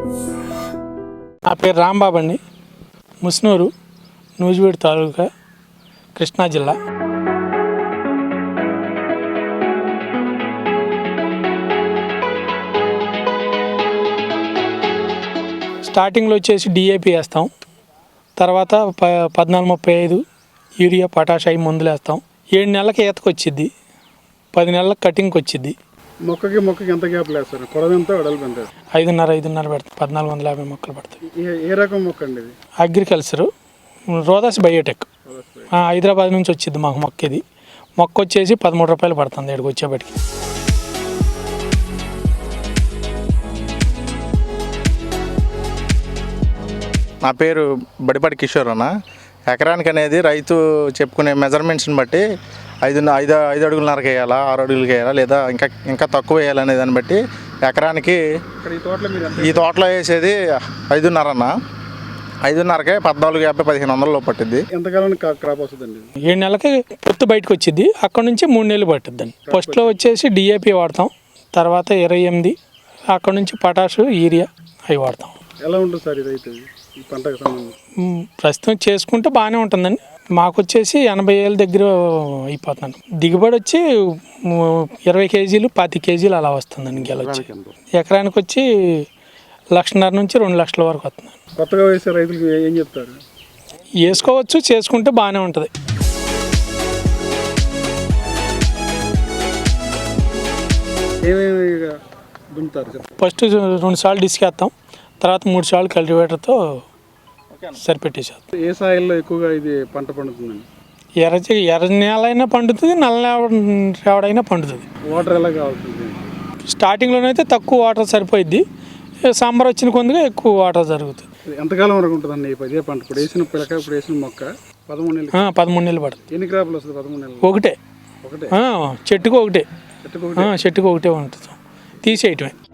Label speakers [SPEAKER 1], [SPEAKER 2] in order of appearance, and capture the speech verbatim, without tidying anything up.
[SPEAKER 1] నా పేరు రాంబాబు అండి. ముస్నూరు, నూజివీడు తాలూకా, కృష్ణా జిల్లా. స్టార్టింగ్లో వచ్చేసి డిఏపి వేస్తాం, తర్వాత ప పద్నాలుగు ముప్పై ఐదు యూరియా పొటాష్ అయి మందులు వేస్తాం. ఏడు నెలలకి ఈతకు వచ్చిద్ది, పది నెలలకు కటింగ్కి వచ్చిద్ది.
[SPEAKER 2] మొక్కకి మొక్కకి ఎంత గ్యాప్ వేస్తారు? పొడవెంత వెడల్పు ఎంత?
[SPEAKER 1] ఐదున్నర ఐదున్నర పెడతాం. పద్నాలుగు వందల యాభై మొక్కలు పడతాయి.
[SPEAKER 2] ఏ రకం మొక్క అండి ఇది?
[SPEAKER 1] అగ్రికల్చరు, రోదాస్ బయోటెక్, హైదరాబాద్ నుంచి వచ్చింది మాకు మొక్క. ఇది మొక్క వచ్చేసి పదమూడు రూపాయలు పడుతుంది ఇక్కడికి వచ్చేప్పటికి.
[SPEAKER 3] నా పేరు బడిపాటి కిషోర్ అన్న. ఎకరానికి అనేది రైతు చెప్పుకునే మెజర్మెంట్స్ని బట్టి ఐదు ఐదు ఐదు అడుగులన్నరకు వేయాలా, ఆరు అడుగులకి వేయాలా, లేదా ఇంకా ఇంకా తక్కువ వేయాలనే దాన్ని బట్టి ఎకరానికి ఈ తోటలో వేసేది ఐదున్నర అన్న. ఐదున్నరకే పద్నాలుగు యాభై పదిహేను వందలలో పట్టిద్ది.
[SPEAKER 2] ఎంతకాలం క్రాప్ వస్తుందండి?
[SPEAKER 1] ఏడు నెలలకి పొత్తు బయటకు వచ్చింది. అక్కడ నుంచి మూడు నెలలు పట్టుద్దండి. ఫస్ట్లో వచ్చేసి డిఏపి వాడతాం, తర్వాత ఇరవై ఎనిమిది, అక్కడ నుంచి పొటాషు, యూరియా అవి వాడతాం.
[SPEAKER 2] ఎలా ఉంటుంది సార్ ఇది అయితే ఈ పంటకు సంబంధించి?
[SPEAKER 1] ప్రస్తుతం చేసుకుంటే బాగానే ఉంటుందండి. మాకు వచ్చేసి ఎనభై ఏళ్ళ దగ్గర అయిపోతున్నాను. దిగుబడి వచ్చి ఇరవై కేజీలు పాతి కేజీలు అలా వస్తుందండి. గెలొచ్చి ఎకరానికి వచ్చి లక్షన్నర నుంచి రెండు లక్షల వరకు వస్తుంది.
[SPEAKER 2] కొత్తగా వేసే రైతులకు ఏం చెప్తారు?
[SPEAKER 1] వేసుకోవచ్చు, చేసుకుంటే బాగానే ఉంటుంది.
[SPEAKER 2] ఏమేమి దున్నుతారు?
[SPEAKER 1] ఫస్ట్ రెండు సార్లు డిస్కేస్తాం, తర్వాత మూడు సార్లు కల్టివేటర్తో సరిపెట్టేసేస్తాం.
[SPEAKER 2] ఏ సాయిల్లో ఎక్కువగా ఇది పంట పండుతుందండి?
[SPEAKER 1] ఎర్ర ఎర్ర నేల అయినా పండుతుంది, నల్ల రేవడైనా పండుతుంది.
[SPEAKER 2] వాటర్ ఎలా కావాల్సింది?
[SPEAKER 1] స్టార్టింగ్లోనైతే తక్కువ వాటర్ సరిపోయిద్ది, సమ్మర్ వచ్చిన కొద్దిగా ఎక్కువ వాటర్ జరుగుతుంది.
[SPEAKER 2] ఎంతకాలం వరకు ఉంటుందండి ఇదే పంట? ఇప్పుడు వేసిన పిల్లక, ఇప్పుడు వేసిన మొక్క పదమూడు నెలలు
[SPEAKER 1] పదమూడు నెలలు పడుతుంది.
[SPEAKER 2] ఎన్ని క్రాపులు వస్తుంది పదమూడు నెలలు?
[SPEAKER 1] ఒకటే,
[SPEAKER 2] ఒకటే
[SPEAKER 1] చెట్టుకు ఒకటే,
[SPEAKER 2] చెట్టుకు
[SPEAKER 1] చెట్టుకు ఒకటే ఉంటుంది, తీసేయటమే.